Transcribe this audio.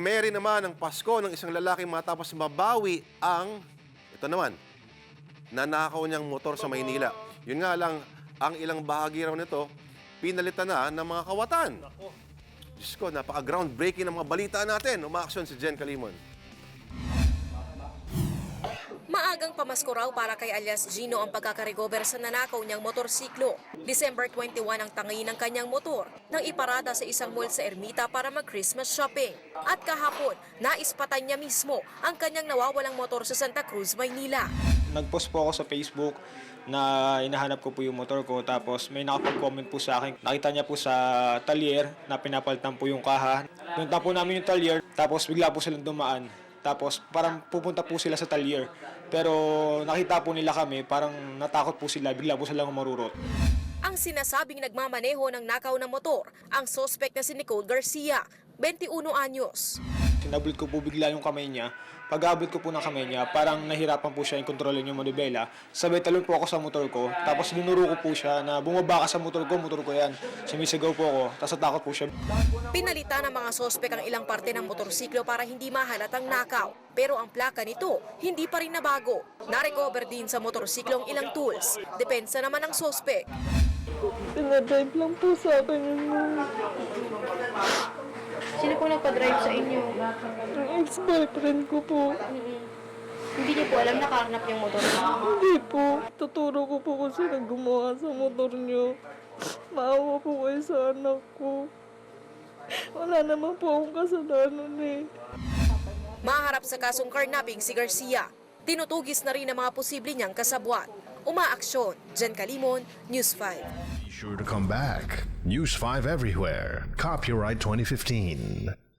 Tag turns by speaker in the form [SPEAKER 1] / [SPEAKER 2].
[SPEAKER 1] Primary naman ang Pasko ng isang lalaking matapos mabawi ang, ito naman, nanakaw niyang motor sa Maynila. Yun nga lang, ang ilang bahagi raw nito, pinalitan na ng mga kawatan. Diyos ko, napaka-groundbreaking ng mga balita natin. Umaaksyon si Jen Calimon.
[SPEAKER 2] Maagang pamasko raw para kay alias Gino ang pagkakarecover sa nanakaw niyang motorsiklo. December 21 ang tangi ng kanyang motor nang iparada sa isang mall sa Ermita para mag-Christmas shopping. At kahapon, naispatan niya mismo ang kanyang nawawalang motor sa Santa Cruz, Maynila.
[SPEAKER 3] Nag-post po ako sa Facebook na hinahanap ko po yung motor ko, tapos may nakapag-comment po sa akin. Nakita niya po sa talyer na pinapalitan po yung kaha. Punta po namin yung talyer, tapos bigla po silang dumaan. Tapos parang pupunta po sila sa talyer. Pero nakita po nila kami, parang natakot po sila, bigla po silang marurot.
[SPEAKER 2] Ang sinasabing nagmamaneho ng nakaw na motor, ang suspect na si Nicole Garcia, 21 anyos.
[SPEAKER 3] Sinablit ko po bigla yung kamay niya. Pag-abot ko po ng kamay niya, parang nahirapan po siya yung kontrolin yung manubela. Sabay talon po ako sa motor ko, tapos dinuro ko po siya na bumaba ka sa motor ko yan. Sumisigaw po ako, tapos natakot po siya.
[SPEAKER 2] Pinalitan ng mga sospek ang ilang parte ng motorsiklo para hindi mahalatang nakaw. Pero ang plaka nito, hindi pa rin nabago. Narecover din sa motorsiklo ang ilang tools. Depensa naman ng sospek.
[SPEAKER 4] Pinadrive lang po sa akin yun.
[SPEAKER 5] Sino po nagpa-drive sa inyo?
[SPEAKER 4] Ang ex-boyfriend ko po.
[SPEAKER 5] Hindi niyo po alam na karnap yung motor niyo?
[SPEAKER 4] Hindi po. Tuturo ko po kung sino gumawa sa motor niyo. Maawa po kayo sa anak ko. Wala naman po akong kasalanan eh.
[SPEAKER 2] Maharap sa kasong carnapping si Garcia. Tinutugis na rin ang mga posible niyang kasabwat. Umaaksyon, Jen Calimon, News 5.
[SPEAKER 6] Be sure to come back. News 5 everywhere. Copyright 2015.